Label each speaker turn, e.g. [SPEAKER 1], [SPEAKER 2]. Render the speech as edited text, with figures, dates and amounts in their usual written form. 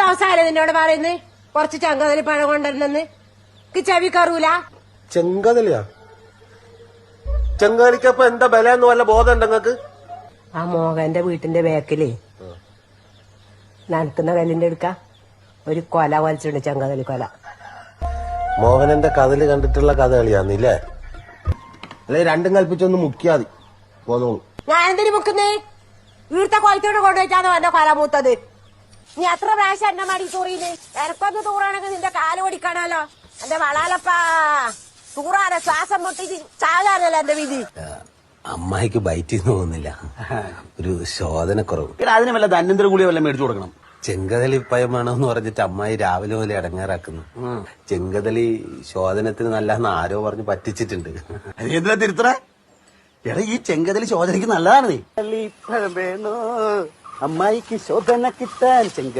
[SPEAKER 1] ദിവസമല്ലേ നിന്നോട് പറയുന്നത് കുറച്ച് ചെങ്കതലി പഴം കൊണ്ടുവരുന്നെന്ന് ചെവി കറൂല.
[SPEAKER 2] ചെങ്കതലിയാ? ചെങ്കതലിക്കപ്പൊ എന്താ ബലന്ന് വല്ല ബോധം ഉണ്ട് നിങ്ങക്ക്?
[SPEAKER 1] ആ മോഹന്റെ വീട്ടിന്റെ ബാക്കിലേ നനക്കുന്ന കല്ലിന്റെ എടുക്ക ഒരു കൊല വലിച്ചിട്ടുണ്ട്, ചെങ്കതലി കൊല.
[SPEAKER 2] മോഹനന്റെ കഥല് കണ്ടിട്ടുള്ള കഥകളിയാന്നില്ലേ? അല്ലെ രണ്ടും കൽപ്പിച്ചൊന്ന് മുക്കിയാതി പോന്നോളൂ.
[SPEAKER 1] ഞാൻ എന്തിനു മുക്കുന്നേ? വീഴ്ത്ത കൊലത്തോട് കൊണ്ടുപോയിട്ടാണോ എന്റെ കൊല മൂത്തത്? നീ എത്ര പ്രാവശ്യം എന്നെ മടി തൂറിയില്ലേ? എനക്കൊന്ന് തൂറാണെങ്കിൽ നിന്റെ കാല് ഓടിക്കാണല്ലോ. എന്റെ വളാലപ്പാ തൂറാതെ ശ്വാസം മുട്ടിട്ട് ചാകാനല്ലോ എന്റെ വിധി.
[SPEAKER 2] അമ്മായിക്ക് ബൈറ്റ് തോന്നുന്നില്ല, ഒരു ശോധനക്കുറവ്.
[SPEAKER 3] അതിന് വല്ല ധന്വന്തര ഗുളിക വല്ല മേടിച്ചു കൊടുക്കണം.
[SPEAKER 2] ചെങ്കതലി പയം വേണമെന്ന് പറഞ്ഞിട്ട് അമ്മായി രാവിലെ പോലെ ഇടങ്ങാറാക്കുന്നു. ചെങ്കതലി ശോധനത്തിന് നല്ലതെന്ന് ആരോ പറഞ്ഞ് പറ്റിച്ചിട്ടുണ്ട്.
[SPEAKER 3] എന്തിനാ തിരുത്തറ? എടാ ഈ ചെങ്കതലി ശോധനയ്ക്ക് നല്ലതാണ്. നീ വേണോ അമ്മായിക്ക് ശോധന കിട്ടാൻ